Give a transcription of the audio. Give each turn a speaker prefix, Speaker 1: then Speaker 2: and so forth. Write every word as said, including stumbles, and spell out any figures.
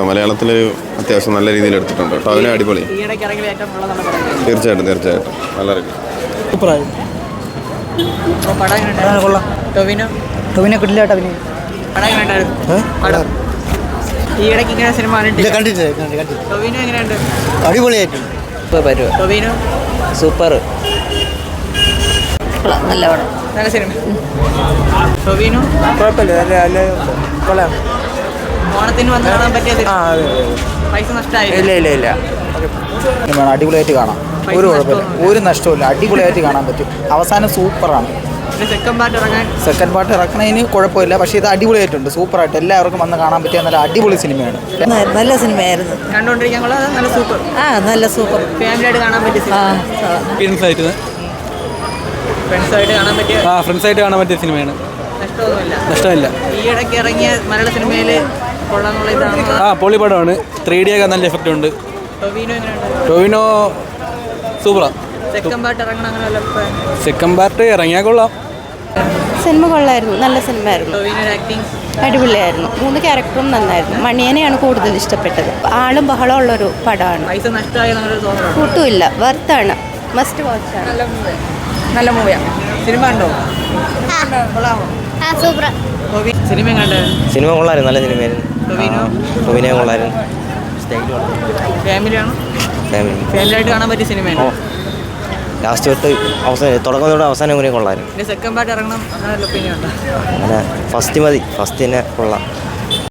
Speaker 1: മലയാളത്തിൽ അത്യാവശ്യം നല്ല രീതിയിൽ എടുത്തിട്ടുണ്ട് കേട്ടോ. അതിനെ അടിപൊളി. തീർച്ചയായിട്ടും തീർച്ചയായിട്ടും നല്ല റിവ്യൂ.
Speaker 2: ടൊവിനോ ടൊവിനോ കിട്ടില്ല ടൊവിനോ ഈ ഇടയ്ക്ക് ഇങ്ങനെ സിനിമ ടൊവിനോ എങ്ങനെയുണ്ട്?
Speaker 3: അടിപൊളിയായിട്ടുണ്ട്.
Speaker 2: ടൊവിനോ
Speaker 3: സൂപ്പർ.
Speaker 2: നല്ല പടം, നല്ല സിനിമ. ടൊവിനോ
Speaker 3: കൊള്ളാം.
Speaker 2: ഓണത്തിന് വന്ന് കാണാൻ പറ്റിയത് പൈസ നഷ്ടമായി?
Speaker 3: ഇല്ല ഇല്ല ഇല്ല അടിപൊളിയായിട്ട് കാണാം. ഒരു കുഴപ്പമില്ല, ഒരു നഷ്ടമില്ല. അടിപൊളിയായിട്ട് കാണാൻ പറ്റും. അവസാനം സൂപ്പറാണ്.
Speaker 2: സെക്കൻഡ് പാർട്ട് ഇറങ്ങാൻ
Speaker 3: സെക്കൻഡ് പാർട്ട് ഇറക്കണതിന് കുഴപ്പമില്ല, പക്ഷേ ഇത് അടിപൊളിയായിട്ടുണ്ട്. സൂപ്പറായിട്ട് എല്ലാവർക്കും വന്ന് കാണാൻ പറ്റിയ നല്ല അടിപൊളി സിനിമയാണ്.
Speaker 4: നല്ല സിനിമയായിരുന്നു,
Speaker 2: കണ്ടുകൊണ്ടിരിക്കാൻ കൊള്ളാം. നല്ല സൂപ്പർ.
Speaker 4: ആ നല്ല സൂപ്പർ.
Speaker 2: ഫാമിലിയായിട്ട് കാണാൻ പറ്റിയ
Speaker 5: ഫ്രണ്ട്സായിട്ട്
Speaker 2: ഫ്രണ്ട്സായിട്ട് കാണാൻ പറ്റിയ
Speaker 5: ആ ഫ്രണ്ട്സായിട്ട് കാണാൻ പറ്റിയ സിനിമയാണ്.
Speaker 2: നഷ്ടമൊന്നുമില്ല.
Speaker 5: നഷ്ടമില്ല.
Speaker 2: ഈ ഇടയ്ക്ക് ഇറങ്ങിയ മലയാള സിനിമയിൽ കൊള്ളാന്നുള്ള ഇതാണ്.
Speaker 5: ആ പൊളി പടമാണ്. ത്രീ ഡി ഒക്കെ നല്ല എഫക്റ്റ് ഉണ്ട്.
Speaker 2: ടൊവിനോ എങ്ങനെയുണ്ട്?
Speaker 5: ടൊവിനോ സൂപ്പറാ.
Speaker 2: സെക്കൻഡ് പാർട്ട് ഇറങ്ങണം അങ്ങനെ വല്ല അഭിപ്രായം?
Speaker 5: സെക്കൻഡ് പാർട്ട് ഇറങ്ങിയാൽ കൊള്ളാം.
Speaker 4: സിനിമ കൊള്ളായിരുന്നു, നല്ല സിനിമയായിരുന്നു.
Speaker 2: ടൊവിനോ ആക്ടിങ്
Speaker 4: അടിപൊളിയായിരുന്നു. മൂന്ന് ക്യാരക്ടറും നന്നായിരുന്നു. മണിയനെയാണ് കൂടുതൽ ഇഷ്ടപ്പെട്ടത്. ആളും ബഹളം ഉള്ളൊരു പടമാണ്.
Speaker 2: പൈസ നഷ്ടമായി എന്നൊരു തോന്നണം.
Speaker 4: കൂട്ടുമില്ല, വർത്താണ്, മസ്റ്റ് വാച്ചാണ്.
Speaker 2: നല്ല മൂവി, നല്ല മൂവിയാണ്. സിനിമ ഉണ്ടോ? കൊള്ളാമോ? സിനിമ കണ്ടേ?
Speaker 3: സിനിമ കൊള്ളായിരുന്നു, നല്ല സിനിമയായിരുന്നു.
Speaker 2: ടൊവിനോ
Speaker 3: ടൊവിനോ കൊള്ളായിരുന്നു.
Speaker 2: ഫാമിലിയാണോ?
Speaker 3: ഫാമിലി
Speaker 2: ഫാമിലിയായിട്ട് കാണാൻ പറ്റിയ സിനിമയാണ്.
Speaker 3: ലാസ്റ്റ് തൊട്ട് അവസാനം തുടക്കം തൊട്ട് അവസാനം കൂടി കൊള്ളായിരുന്നു.
Speaker 2: സെക്കൻഡ് പാർട്ട് ഇറങ്ങണം അങ്ങനെ ഒപ്പീനിയൻ ഉണ്ടോ?
Speaker 3: അങ്ങനെ ഫസ്റ്റ് മതി, ഫസ്റ്റ് തന്നെ കൊള്ളാം.